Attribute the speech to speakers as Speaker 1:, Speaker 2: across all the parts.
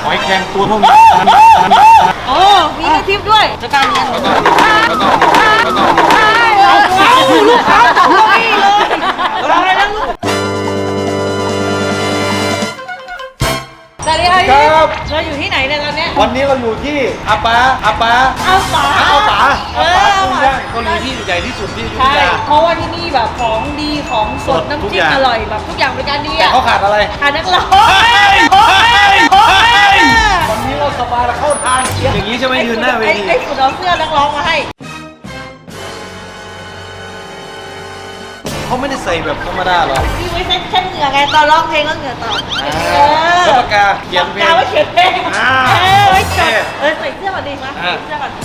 Speaker 1: หอยแครงตัวเท่านี้
Speaker 2: โอ้มีกระทิบด้วยจะการเรียนลูกค้าตกเก้าอี้เลยอะไรนะลูกสวัสดีครับเราอยู่ที่ไหนเนี่ยตอนนี้
Speaker 1: วันนี้เราอยู่ที่อาปา
Speaker 2: เอาป๋า
Speaker 1: กุ้งย่างเกาหลีที่ใหญ่ที่สุดที่อยุธยา
Speaker 2: เพราะว่าที่นี่แบบของดีของสดน้ำจิ้มอร่อยแบบทุกอย่างเป็นการดี
Speaker 1: แต่เขาขาดอะไร
Speaker 2: ขาดนักร้อง
Speaker 1: วันนี้เราสบายเราเข้าทางอย่างนี้ใช่ไหมยืนหน้าเวที
Speaker 2: ไอ้ฝุ่นเอาเสื้อนักร้องมาให้
Speaker 1: เขาไม่ได้ใส่แบบธรรมดาหรอ
Speaker 2: นี่ไว้เช็ดเหงื่อไงตอนร้องเพลงแล้วเหงื่อตก
Speaker 1: แล้วปากกาเขียนเพลง
Speaker 2: ไว้เขียนเพลงไว้จดใส่เสื้อก่อนดีมั้ยใส่เสื้อก่อน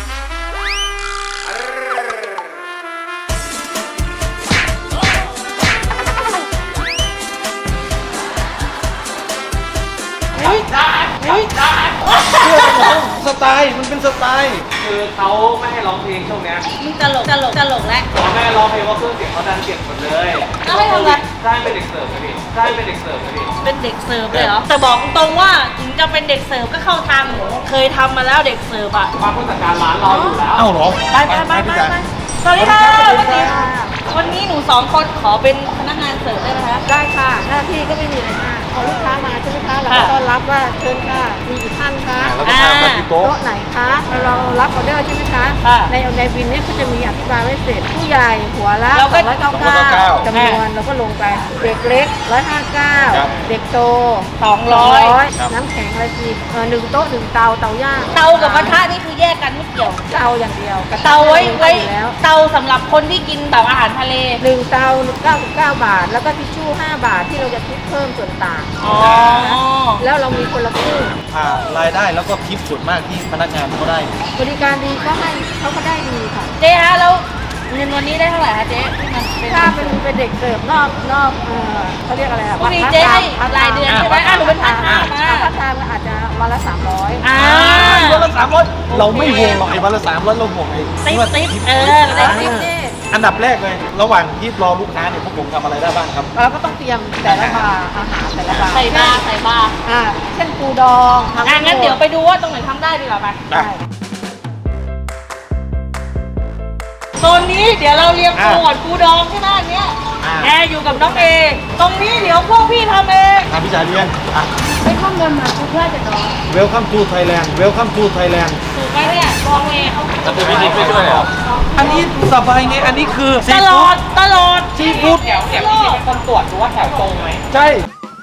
Speaker 1: สไตล์มันเป็นสไตล์
Speaker 3: คือเขาไม่ให้ร้องเพลงช่วงนี้
Speaker 2: มึงตลกแล้ว
Speaker 3: เขาไม่ให้ร้องเพลงว่าเครื่องเสียงเขาดันเสียงหมดเลย
Speaker 2: แล้วให้ทำอะไร
Speaker 3: ใช่เป็นเด็กเสิร์ฟเลยพี่ใช่เป็นเด็กเสิร์ฟเลยพี่
Speaker 2: เป็นเด็กเสิร์ฟเลยเหรอแต่บอกตรงว่าถึงจะเป็นเด็กเสิร์ฟก็เข้าทางหนูเคยทำมาแล้วเด็กเสิร์ฟอ่ะ
Speaker 3: มาผู้จัดการร้านเราอยู่แล้ว
Speaker 1: เอ้าหรอ
Speaker 2: ไปสวัสดีค่ะวันนี้หนู2คนขอเป็นพนักงานเสิร์ฟได้ไหมคะ
Speaker 4: ได้ค่ะหน้าที่ก็ไม่มีอะไรมากพอลูกค้ามาใช่ไหมคะเราก็ต้อนรับว่าเชิญค่ะมีกี่ท่านคะ
Speaker 1: แล้วก็ทำแบบที่โต๊ะ
Speaker 4: ไหนคะเรารับออเดอร์ใช่ไหมคะในบินเนี่ยก็จะมีอธิบายไว้เสร็จผู้ใหญ่หัวละ299จำนวนเราก็ลงไปเด็กเล็ก159เด็กโต200น้ำแข็งอะไรที1โต๊ะ1เตาย่าง
Speaker 2: เตากับกระทะนี่คือแยกกันไม่เกี่ยว
Speaker 4: เตาอย่างเดียว
Speaker 2: เตาไว้เตาสำหรับคนที่กินแบบอาหารทะเล
Speaker 4: 1เตา99 บาทแล้วก็ทิชชู่5 บาทที่เราจะคิดเพิ่มส่วนต่างแล้วเรามีคนละครึ่ง
Speaker 1: รายได้แล้วก็ทิปส่วนมากที่พนักงานเขาได้
Speaker 4: บริการดีก็ให้เขาก็ได้ดีค่ะ
Speaker 2: เจ๊ฮะแล้วเงินวันนี้ได้เท่าไหร่คะเจ๊ที่มัน
Speaker 4: ถ้าเป็นเด็กเสิร์ฟนอกเขาเรียกอะไร
Speaker 2: วันนี้เจ๊ให้รายเดือนใช่ไหมหนูเป็นพาร์ทไทม์
Speaker 4: พาร์ทไทม์อาจจะวันละ300
Speaker 1: วันละ300เราไม่ห่วงหรอกไอ้วันละ300เราห่วงไอ้
Speaker 2: ติ๊บ
Speaker 1: อันดับแรกเลยระหว่างที่รอลูกค้าเนี่ยพวกผมทำอะไรได้บ้างครับ
Speaker 4: เราก็ต้องเตรียมแต่ละบาร์อาหารแต่ละบาร์
Speaker 2: ใส่บาร์
Speaker 4: เช่นปูดอง
Speaker 2: งั้นเดี๋ยวไปดูว่าตรงไหนทำได้ดีกว่าไหมโซนนี้เดี๋ยวเราเรียงปูปูดองที่หน้านี้แอร์อยู่กับน้องเอตรงนี้เดี๋ยวพวกพี่ทำเอง
Speaker 1: พี่จ่าเรียน
Speaker 4: ไปข้ามเดินมาเพื่อจะดอง
Speaker 1: Welcome to Thailand Welcome to Thailand
Speaker 2: ถูกไหมเนี่ยมองเอง
Speaker 1: จะเป็นวิธีไปด้วยเหรออันนี้สบายไงอันนี้คือ
Speaker 2: ตลอด
Speaker 1: ซีฟู้ด
Speaker 3: เดี๋ยวพี่เป็นคนตรวจดูว่าแถวตรงไหม
Speaker 1: ใช่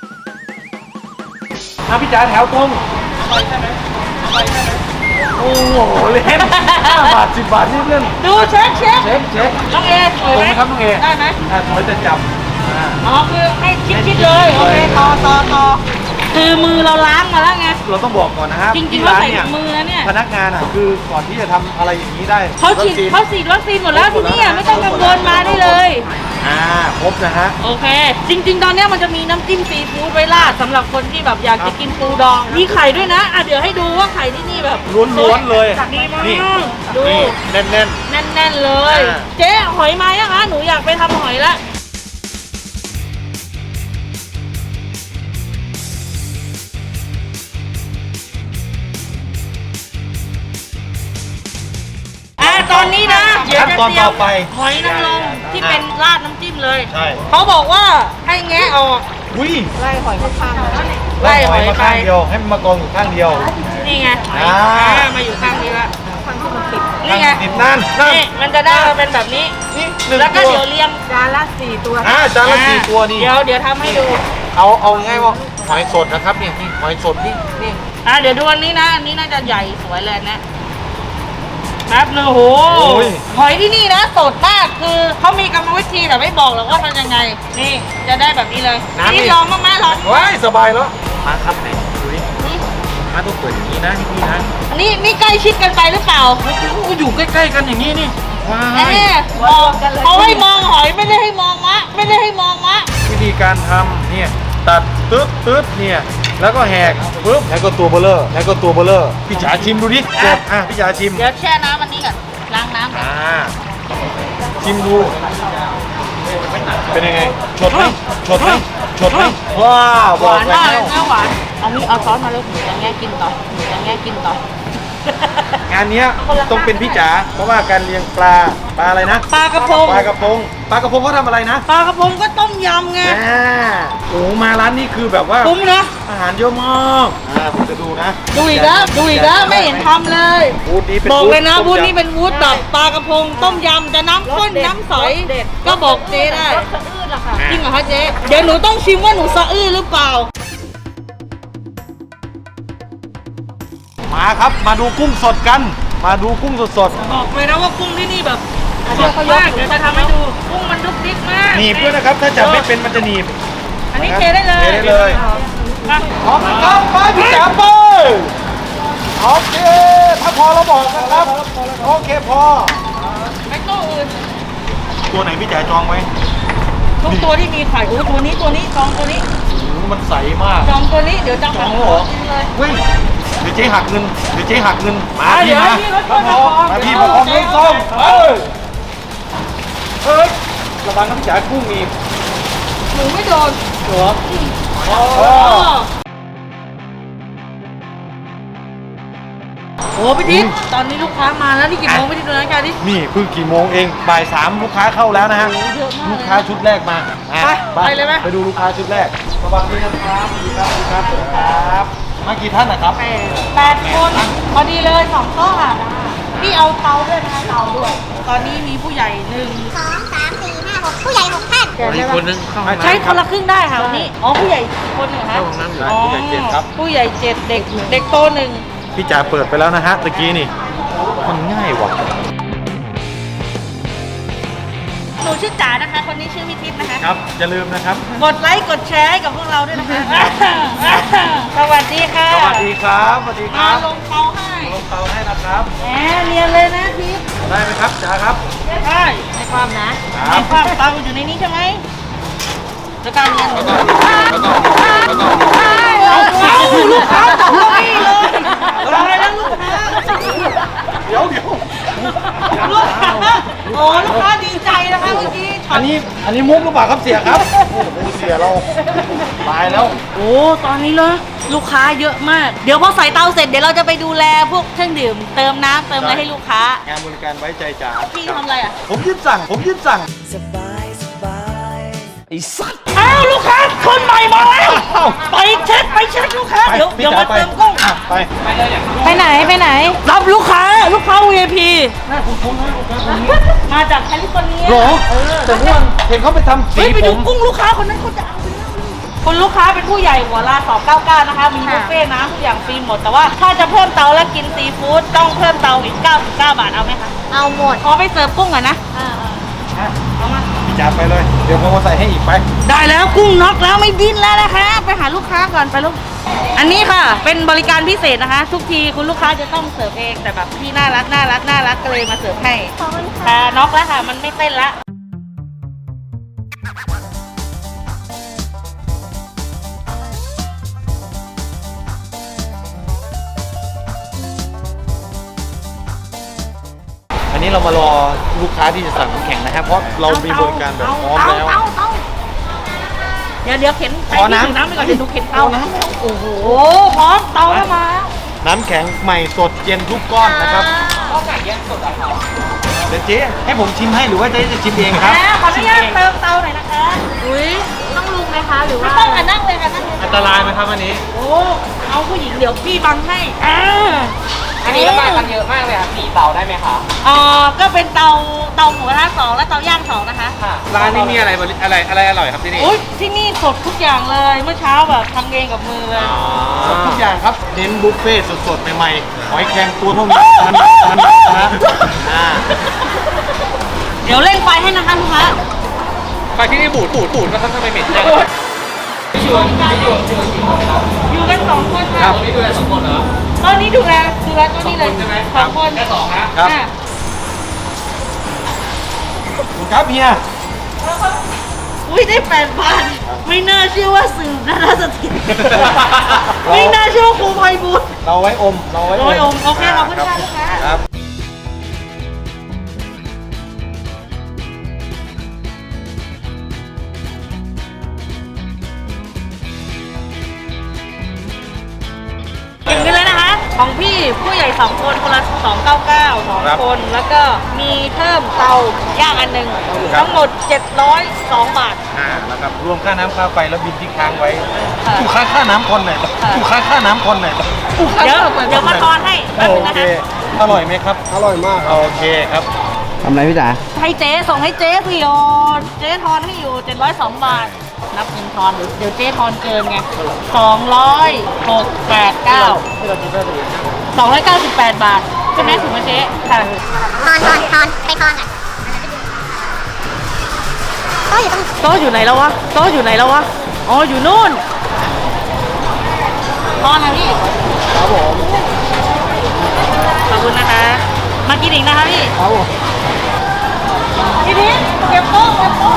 Speaker 1: พี่จ๋าแถวตรงใช่ไหมโอ้โหเล่น5 บาท10 บาทนี่เล่น
Speaker 2: ดูเช็ค
Speaker 1: น้
Speaker 2: องเอ
Speaker 1: ตรงไหมครับน้องเอ
Speaker 2: ได้ไหม
Speaker 1: สวยจะจับ
Speaker 2: คือให้ชิดเลยโอเคต่อคือมือเราล้างมาแล้วไง
Speaker 1: เราต้องบอกก่อนนะครับ
Speaker 2: จริงๆเราใส่มือแล้วเนี่ย
Speaker 1: พนักงานคือก่อนที่จะทำอะไรอย่างนี้ได้
Speaker 2: เขาฉีดวัคซีนหมดแล้วที่นี่ไม่ต้องกังวลมาได้เลย
Speaker 1: ครบนะฮะ
Speaker 2: โอเคจริงๆตอนนี้มันจะมีน้ำจิ้มซีฟู้ดไว้ราดสำหรับคนที่แบบอยากจะกินปูดองมีไข่ด้วยนะเดี๋ยวให้ดูว่าไข่ที่นี่แบบ
Speaker 1: ล้วนๆเลย
Speaker 2: นี่ดู
Speaker 1: แน่น
Speaker 2: เลยเจ๊หอยมายังคะหนูอยากไปทำหอยแล้วตอนนี้นะเดี๋ยวจะเตรียมหอยนางรมที่เป็นราดน้ำจิ้มเลยเขาบอกว่าให้แงะออก
Speaker 4: ไล่หอยข้าง
Speaker 1: ไล่หอยมาข้างเดียวให้มันมากองอยู่ข้างเดียว
Speaker 2: นี่ไงมาอยู่ข้างนี้ละ
Speaker 4: ข้างที่มันติด
Speaker 2: นี่ไง
Speaker 1: ติดนั่น
Speaker 2: มันจะได้มาเป็นแบบนี้แล้วก็เดี๋ยวเรียง
Speaker 4: จานละ4 ตัว
Speaker 1: จานละ4 ตัวนี่
Speaker 2: เดี๋ยวทำให้ดู
Speaker 1: เอาง่ายว่าหอยสดนะครับนี่หอยสดนี่
Speaker 2: เดี๋ยวดูอันนี้นะอันนี้น่าจะใหญ่สวยเลยนะแป๊บนึงโหหอยที่นี่นะสดมากคือเขามีกรรมวิธีแต่ไม่บอกหรอกว่าทำยังไงนี่จะได้แบบนี้เลยนี่ลองมากๆลอง
Speaker 1: สบายแล้วมาครับไหนดูดิมาต้องเปิดอย่างนี้นะนี่นะ
Speaker 2: นี่ใกล้ชิดกันไปหรือเปล่า
Speaker 1: อยู่ใกล้ๆกันอย่างนี้นี่
Speaker 2: เขาให้มองหอยไม่ได้ให้มองวะ
Speaker 1: วิธีการทำเนี่ยตัดตึ๊ดเนี่ยแล้วก็แหกปึ๊บแล้วก็ตัวเบลเลอร์พี่จ๋าชิมดูดิจบพี่จ๋าชิม
Speaker 2: เดี๋ยวแช่น้ำอันนี้ก่อนล้างน้ำก่อน
Speaker 1: ชิมดูเป็นยังไงชดไหมว้าว
Speaker 2: หวานมากเลยหวานเอามีเอาช้อนมาแล้วหนูจะแง่กินต่อหนูจะแง่กินต่อ
Speaker 1: งานเนี้ยต้องเป็นพี่จ๋าเพราะว่าการเลี้ยงปลาอะไรนะ
Speaker 2: ปลากระพง
Speaker 1: ปลากระพงเขาทำอะไรนะ
Speaker 2: ปลากระพงก็ต้มยำไง
Speaker 1: โอ้มาร้านนี้คือแบบว่า
Speaker 2: คุ้มนะ
Speaker 1: อาหารเยอะมากผมจะดูนะ
Speaker 2: ดูอีกแล้วไม่เห็นทำเลย
Speaker 1: บูธนี้เป็น
Speaker 2: บอกเลยนะ
Speaker 1: ต้ม
Speaker 2: บูธ
Speaker 1: ยำ
Speaker 2: นี้เป็นบูธแบบปลากระพงต้มยำจะน้ำข้นน้ำใสก็บอกเจ๊ได้
Speaker 4: รสสะอื้นล่ะค่ะ
Speaker 2: จริงเหรอคะเจ๊เดี๋ยวหนูต้องชิมว่าหนูสะอื้นหรือเปล่า
Speaker 1: มาครับมาดูกุ้งสดกัน มาดูกุ้งสด
Speaker 2: บอกเลยนะว่ากุ้งที่นี่แบบสดมากเดี๋ยวจะทำให้ดูกุ้งมันดุกดิกมาก
Speaker 1: ๆหนีบด้วยนะครับ ถ้าจับไม่เป็นมันจะหนีบ
Speaker 2: อันนี้เทได้เลย
Speaker 1: เทได้เลย
Speaker 2: อ่ะ
Speaker 1: พร้อมนะครับไปพี่จ๋าไปโอเคถ้าพอเราบอกนะครับโอเคพอ
Speaker 2: ไม่ตู้อื่น
Speaker 1: ตัวไหนพี่จ๋าจองไว้
Speaker 2: ทุกตัวที่มีไข่โอ้ตัวนี้จองตัวนี้
Speaker 1: มันใสมาก
Speaker 2: จองตัวนี้เดี๋ยวจะ
Speaker 1: จองแล้วเหรอ
Speaker 2: กินเลย
Speaker 1: เฮ้ยเดี๋ยวเจ๊หักเงินมา
Speaker 2: เดี๋
Speaker 1: พี่
Speaker 2: ยว
Speaker 1: มา
Speaker 2: ให้พี่รถก่อนนะ
Speaker 1: มาพี่มาพร้อมน้ำส้มเฮ้ยระวังน้ำจ๋ากุ้งอีก
Speaker 2: หนูไม่โดน
Speaker 1: เหรอ
Speaker 2: โอ้พี่ทิศตอนนี้ลูกค้ามาแล้วนี่กี่โมงพี่ทิศดูนาฬิกาดิ
Speaker 1: นี่เพิ่งกี่โมงเองบ่าย3ลูกค้าเข้าแล้วนะฮะ
Speaker 2: เยอะมากเลย
Speaker 1: ลูกค้าชุดแรกมาอ่ะ
Speaker 2: ไปเลยไหม
Speaker 1: ไปดูลูกค้าชุดแรกสวัสดีครับสวัสดีครับมากี่ท่านนะครับ
Speaker 2: 8 คนพอดีเลย2โต๊ะค่ะพี่เอาเตาด้วยนะคะเตาด้วย ตอนนี้มีผู้ใหญ่1
Speaker 5: 2 3 4 5 6 ผู้ใหญ่ 6 ท่าน
Speaker 1: อีกคนนึง
Speaker 2: ใช้คนละครึ่งได้ค่ะวันนี้อ๋อผู้ใหญ่คนหนึ่งคะ
Speaker 1: เข้าห้องน้ำอยู่ผู้ใหญ่เจ็ดครับ
Speaker 2: ผู้ใหญ่7เด็กโต1
Speaker 1: พี่จ๋าเปิดไปแล้วนะฮะตะกี้นี่มันง่ายว่ะ
Speaker 2: หนูชื่อจ๋านะคะ คนนี้ชื่อพิทิพย์นะคะ
Speaker 1: ครับอย่าลืมนะครับ
Speaker 2: กดไลค์กดแชร์ให้กับพวกเราด้วยนะคะสวัสดีค่ะ
Speaker 1: สวัสดีครับสวัสดีค
Speaker 2: มา
Speaker 1: รับ
Speaker 2: ลงเตาให้
Speaker 1: ลงเตาให้นะครับ
Speaker 2: แหมเนียนเลยนะทิพย์
Speaker 1: ได้ไหมครับจ๋าครับ
Speaker 2: ได้ในความนะในความเตาอยู่ในนี้ใช่ไหมแล้วการเรียนเอาลูกค้าตกเก้าอี้เลยทำอะไรนะลูกค้า
Speaker 1: เดี๋ยว
Speaker 2: ลูกค้าโอ้ลูกค้าดีใจนะคะเมื่อกี้ช็อ
Speaker 1: อั
Speaker 2: ต
Speaker 1: นนี้มุกหรือเปล่าครับเสียครับโอ้โหเสียเราตายแล้ว
Speaker 2: โอ้ตอนนี้เลยลูกค้าเยอะมาก เดี๋ยวพอใส่เตาเสร็จเดี๋ยวเราจะไปดูแลพวกเครื่องดื่มเติมน้ำเติมอะไรให้ลูกค้าง
Speaker 1: านบริการไว้ใจจ๋า
Speaker 2: พี่ทำอะไรอ่ะ
Speaker 1: ผมยึดสั่งไอ้สัตว์
Speaker 2: อ้าวลูกค้าคนใหม่มาแล้วไปเช็คลูกค้าเดี๋ยวมาเติมกุ้ง
Speaker 1: ไป
Speaker 2: ไปไหนรับลูกค้า VIP
Speaker 1: น่าคุ้นๆนะลูกค้าคนนี้
Speaker 2: มาจากแคลิฟอร์เนีย
Speaker 1: หรอแต่เมื่อวันเห็นเขาไปทำสี
Speaker 2: เฮ้ยไป
Speaker 1: ผ
Speaker 2: ดู
Speaker 1: ม
Speaker 2: กุ้งลูกค้าคนนั้นเขาจะเอาไปแล้วคุณลูกค้าเป็นผู้ใหญ่หัวลา299นะคะมีบุฟเฟ่ต์น้ำทุกอย่างฟรีหมดแต่ว่าถ้าจะเพิ่มเตาและกินซีฟู้ดต้องเพิ่มเตาอีก99 บาทเอาไหมคะ
Speaker 5: เอาหมด
Speaker 2: ขอไปเสิร์ฟกุ้งก่อนนะเอามา
Speaker 1: พี่จ๋าไปเลย เดี๋ยวผมมาใส่ให้อีกไป
Speaker 2: ได้แล้วกุ้งน็อกแล้วไม่ดิ้นแล้วนะคะ ไปหาลูกค้าก่อนไปลูกอันนี้ค่ะ เป็นบริการพิเศษนะคะ ทุกทีคุณลูกค้าจะต้องเสิร์ฟเองแต่แบบพี่น่ารักก็เลยมาเสิร์ฟให้แต่น็อกแล้วค่ะ มันไม่เต้นละ
Speaker 1: อันนี้เรามารอลูกค้าที่จะสั่งน้ำแข็งนะครับ เพราะเรามีบริการแบบพร้อมแล้ว
Speaker 2: เตาเดี๋ยวเข็นไป
Speaker 1: ขอ
Speaker 2: ที่
Speaker 1: น้ำ
Speaker 2: ถึงน้ำไปก่อนเดี๋ยวหนูเข็นเตา
Speaker 1: เอาน้ำ
Speaker 2: โอ้โหพร้อมเตาแล้วมา
Speaker 1: น้ำแข็งใหม่สดเย็นทุกก้อนนะครับ
Speaker 3: ข้าวไก่แยกสดอะครับ
Speaker 1: เดี๋ยวเจ๊ให้ผมชิมให้หรือว่าเจ๊จะชิมเองครับ
Speaker 2: ขออนุญาตเติมเตาหน่อยนะคะ
Speaker 4: อุ้ยต้องลุงไหมคะ หรือ
Speaker 2: ไม่
Speaker 4: ว่า
Speaker 2: ต้องค่ะนั่งเลยค่ะนั่งเลย
Speaker 3: อันตรายไหมครับอันนี้
Speaker 2: โอ้เอาผู้หญิงเดี๋ยวพี่บังให้
Speaker 3: อันนี้ระบายกันเยอะมากเลยครับ4เตาได้ไหมคะ
Speaker 2: ก็เป็นเตาหมูกระทะ2และเตาย่าง2นะคะ
Speaker 3: ร้านนี้มีอะไรอร่อยครับที่นี่
Speaker 2: อุ้ยที่นี่สดทุกอย่างเลยเมื่อเช้าแบบทำเองกับมือเลย
Speaker 1: สดทุกอย่างครับเน้นบุฟเฟ่ต์สดๆใหม่ๆหอยแครงตัวเท่านี้นะอ่า
Speaker 2: เดี๋ยวเร่งไฟให้นะคะลูกค้า
Speaker 3: ไฟที่นี่บูดนะครับทำไมเหม็นจัง
Speaker 2: อยู่กัน2 คนค่ะ
Speaker 1: ครับ
Speaker 3: นี่ดูแล2 คนเหรอ
Speaker 2: ตอนนี้ดูแลตัวนี้เลย
Speaker 3: ใช่ไหม
Speaker 2: 2 คน
Speaker 3: แค่2นะ
Speaker 1: ครับ
Speaker 2: อ่ะ
Speaker 1: ครับเฮีย
Speaker 2: อุ้ยได้8 บาทไม่น่าเชื่อว่าสื่อนาฏสถิตไม่น่าเชื่อว่าครูไพบูลย์
Speaker 1: เราไว้อม เราไว้
Speaker 2: โอ้ยอมโอเคขอบคุณค่ะลูกค้า
Speaker 1: ครับ
Speaker 2: ของพี่ผู้ใหญ่2คนคนละ299 2คนแล้วก็มีเพิ่มเตาย่างอันหนึ่งทั้งหมด702 บาท
Speaker 1: นะครับรวมค่าน้ำค่าไฟแล้วบินที่ค้างไว้
Speaker 2: ค่ะ
Speaker 1: กูค้างค่าน้ำคนไหนอยกูค้างค่าน้ำคนไหนอยกูค้าง
Speaker 2: เดี๋ยว
Speaker 1: ค่าไฟ
Speaker 2: เดี๋ยวมาทอนให้แป๊บ
Speaker 1: โอ
Speaker 2: นึงนะ
Speaker 1: เค
Speaker 2: คะ
Speaker 1: อร่อยไหมครับอร่อยมากโอเคครับ
Speaker 6: ทำไรพี่จ๋า
Speaker 2: ให้เจ๊ส่งให้เจ๊พี่โยนเจ๊ทอนให้อยู่702 บาท นับเงินทอนเดี๋ยวเจ๊ทอนเกินไง298 บาทใช่ไหมถูกไหมเจ๊ค่ะ
Speaker 5: ทอนไปทอนก่อนโต๊ะอยู่ตรง
Speaker 2: โต๊ะอยู่ไหนแล้ววะโต๊ะอยู่ไหนแล้ววะอ๋ออยู่นู่นทอนนะพี่ครับผมขอบคุณนะคะ มากินอีกนะคะพี่ครับผมพี่ทิศเก็บโต๊ะ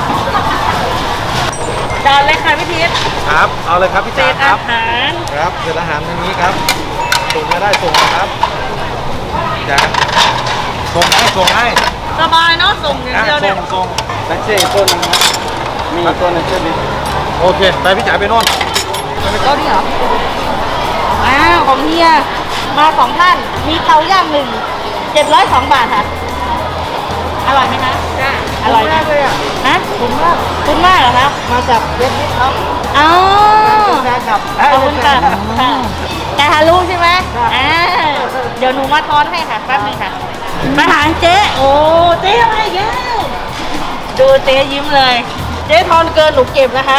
Speaker 2: จานเลยค่ะพี่ทิศ
Speaker 1: ครับเอาเลยครับพี่
Speaker 2: เศ
Speaker 1: จ๋า
Speaker 2: ษ
Speaker 1: ค
Speaker 2: อา
Speaker 1: รับ
Speaker 2: หาร
Speaker 1: ครับเศษอาหารทางนี้ครับส่งมาได้ส่งนะครับจ๋าส่งให้
Speaker 2: สบายเนาะส่งอย่างเดียวเนี่ย
Speaker 1: ส่ง
Speaker 6: นักเช่ต้นนึงนะมีต้นนึงเช่นนี้
Speaker 1: โอเคไปพี่จ๋าไปโน่น
Speaker 2: โต๊ะนี่เหรออ้าวของเฮียมา2ท่านมีเตาย่าง702 บาทค่ะอร่อยไหมคะจ้าอร่อยมากเลยอ่ะนะคุ้มมากเหรอคะมาจากเว็บนี้ครับอ๋อขอบคุณค่ะแต่ฮารุใช่ไหมเดี๋ยวหนูมาทอนให้ค่ะแป๊บนึงค่ะมาหาเจ๊โอ้เจ๊อะไรแกดูเจ๊ยิ้มเลย เจ๊ทอนเกินหนูเก็บนะคะ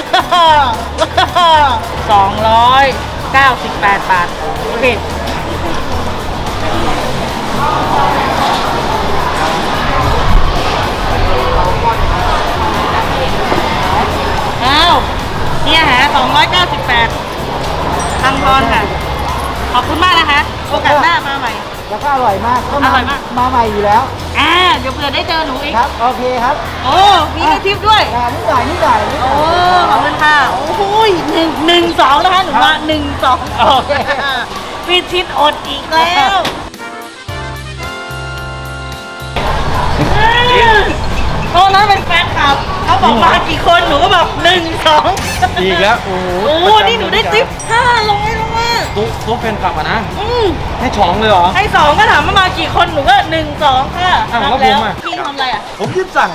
Speaker 2: 298 บาทโอเคอ้าวเนี่ยหา298ทางทอนค่ะ ขอบคุณมากนะคะ โอกาสหน้ามาใหม่
Speaker 6: แล้วก็อร่อยมากก็
Speaker 2: อร่อยมาก
Speaker 6: มาใหม่อยู่แล้ว
Speaker 2: เดี๋ยวเผื่อได้เจอหนูอีก
Speaker 6: ครับ โอเคครับ
Speaker 2: โอ้ มีให้ทิปด้วย
Speaker 6: นิดหน่อย
Speaker 2: โอ้ ขอบคุณค่ะ โอ้โห112นะคะหนูว่า12โอเคพี่ทิศอดอีกแล้วโอ้นั้นเป็นแฟนคลับเขาบอกมากี่คนหนูก็บอก1 2
Speaker 1: อีกแล้วโอ้โห
Speaker 2: โอ้นี่หนูได้ทิป500ลงมา
Speaker 1: ตุ๊กเป็นกลับอ่ะนะให้ฉองเลยเหรอ
Speaker 2: ให้2ก็ถามว่ามากี่คนหนูก็1 2ค่ะ
Speaker 1: อ้าว
Speaker 2: นับ
Speaker 1: แล้ว
Speaker 2: แล้ว
Speaker 1: ผมอ่ะ
Speaker 2: พี่ทำอะไรอ่ะ
Speaker 1: ผมยืดสั่ง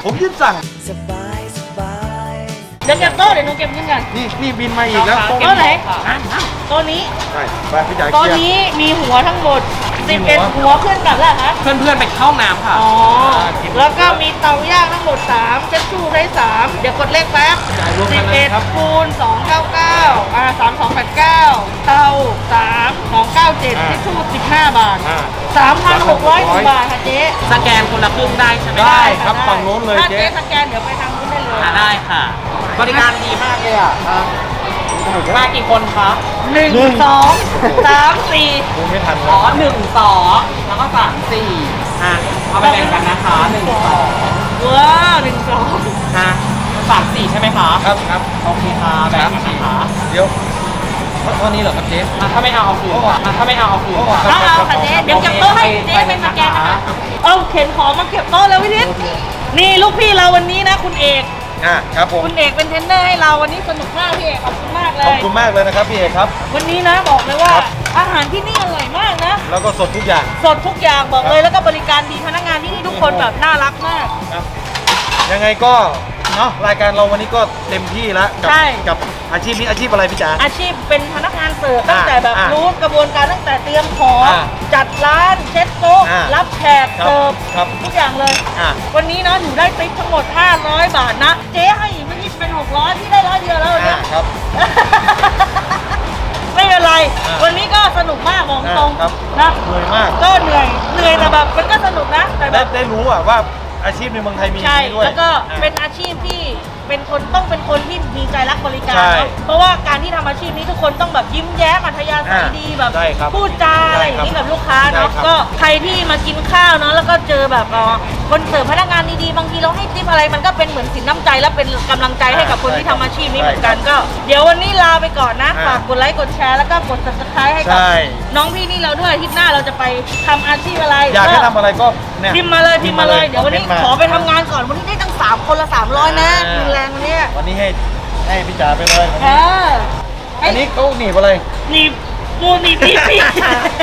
Speaker 2: เดี๋ยวเก็บโต๊ะเดี๋ยวหนูเก็บเงินกัน
Speaker 1: นี่บินมาอีกแล้ว
Speaker 2: โต๊ะไหนโต๊ะนี้
Speaker 1: ไปพี่จ๋า
Speaker 2: โต๊ะ
Speaker 1: เคลียร์
Speaker 2: นี้มีหัวทั้งหมด
Speaker 1: กี่
Speaker 2: 11 หัวขึ้นกลับแล้วคะ
Speaker 3: เพื่อนๆไปเข้าน้ำค่ะ
Speaker 2: อ๋อ แล้วก็มีเตาย่างทั้งหมด3เช็ดชูได้3เดี๋ยวกดเลขแป๊บ
Speaker 1: จ่ายรวมกันเลยครับ
Speaker 2: 11คูณ2993289เตา3297เช็ดชู15 บาท 3,600 บาทค่ะเจ๊
Speaker 3: สแกนคนละครึ่งได้ใช่ไหม
Speaker 1: ได้ครับฝั่งโน้นเลย
Speaker 2: ถ้า
Speaker 1: เจ๊
Speaker 2: เจ๊สแกนเดี๋ยวไปทางนู้นได้เลย
Speaker 3: ได้ค่ะ บริการดีมากเลยอ่ะมากี่คนคะ
Speaker 2: 1 2 3 4
Speaker 1: ดูไม่ทัน
Speaker 3: อ๋อ1 2แล้วก็3 4เอาไปแบ่งกันนะคะ1 2
Speaker 2: ว้าว1 2
Speaker 3: 3 4ใช่ไหมคะ
Speaker 1: ครับ
Speaker 3: โอเคค่ะแบ่งกันนะคะ
Speaker 1: เดี๋ยวเท่านี้เหรอครับเจ๊
Speaker 3: ถ้าไม่เอาคืนถ้าไม่เอาคืน
Speaker 2: เอาค่ะเจ๊เดี๋ยวเก็บโต๊ะให้เจ๊เป็นสแกนนะคะเอาเข็นของมาเก็บโต๊ะแล้วพี่นิดนี่ลูกพี่เราวันนี้นะคุณเอก
Speaker 1: ครับผม
Speaker 2: คุณเอกเป็นเทรนเนอร์ให้เราวันนี้สนุกมากพี่เอกขอบคุณมากเล
Speaker 1: ขอบ
Speaker 2: ย
Speaker 1: คุณมากเลยนะครับพี่เอกครับ
Speaker 2: วันนี้นะบอกเลยว่า
Speaker 1: ครับ
Speaker 2: อาหารที่นี่อร่อยมากนะ
Speaker 1: แล้วก็สดทุกอย่าง
Speaker 2: สดทุกอย่างบอกเลยแล้วก็บริการดีพนักงานที่นี่ทุกคนแบบน่ารักมาก
Speaker 1: ครับยังไงก็เนาะรายการเราวันนี้ก็เต็มที่แล้วกั
Speaker 2: ใช่
Speaker 1: กับอาชีพนี้อาชีพอะไรพี่จ๋า
Speaker 2: อาชีพเป็นพนักงานเสิร์ฟตั้งแต่แบบ
Speaker 1: อ่า
Speaker 2: รู้กระบวนการตั้งแต่เตรียมของ
Speaker 1: อ่า
Speaker 2: จัดร้านเช็ดโต๊ะ
Speaker 1: อ่า
Speaker 2: รับแขก
Speaker 1: ครับ
Speaker 2: เสิร์ฟ
Speaker 1: ครับ
Speaker 2: ทุกอย่างเลย
Speaker 1: อ่ะ
Speaker 2: วันนี้นะหนูได้ติ๊ปทั้งหมด500 บาทนะ เจ๊ให้อีกไม่คิดเป็น600ที่ได้100เดียวแล้ววันเนี่ย
Speaker 1: ครับ
Speaker 2: ไม่เป็นไร
Speaker 1: อ่า
Speaker 2: วันนี้ก็สนุกมากบอกตรง
Speaker 1: ครับ
Speaker 2: นะ
Speaker 1: เหนื่อยมาก
Speaker 2: ก็เหนื่อยแต่แบบมันก็สนุกนะแต่แบบ
Speaker 1: ได้รู้ว่าอาชีพในเมืองไทยมีอย่าง
Speaker 2: ใช่
Speaker 1: นี้ด้วย
Speaker 2: แล้วก็
Speaker 1: อ่ะ
Speaker 2: เป็นอาชีพที่เป็นคนต้องเป็นคนที่มีใจรักบริการ
Speaker 1: ใช่
Speaker 2: เนอะเพราะว่าการที่ทำอาชีพนี้ทุกคนต้องแบบยิ้มแย้มอัธยาศัยดีแบบ
Speaker 1: ได้ครับ
Speaker 2: พูดจาอะไรอย่างนี้กับลูกค้าเนาะ
Speaker 1: ได้ครับ
Speaker 2: ก็ใครที่มากินข้าวเนาะแล้วก็เจอแบบคนเสิร์ฟพนักงานดีๆบางทีเราให้ทิปอะไรมันก็เป็นเหมือนสินน้ำใจและเป็นกำลังใจให้กับคนที่ทำอาชีพนี้เหมือนกันก็ เดี๋ยววันนี้ลาไปก่อนนะฝากกดไลค์กดแชร์แล้วก็กด subscribe ให้กับ
Speaker 1: ใช่
Speaker 2: น้องพี่นี่เราด้วยอาทิตย์หน้าเราจะไปทำอาชีพอะไร
Speaker 1: อยากให้ทำอะไรก็เนี่ย
Speaker 2: พิมพ์มาเลยเดี๋ยววันนี้
Speaker 1: พิมพ์มา
Speaker 2: ขอไปทำงานก่อนวันนี้ได้ตั้ง3 คนละ300นะมีแรงวันนี้
Speaker 1: วันนี้ให้พี่จ๋าไปเลย
Speaker 2: เออ
Speaker 1: อันนี้เขาหนีบอะไร
Speaker 2: หนีบมูหนีบพี่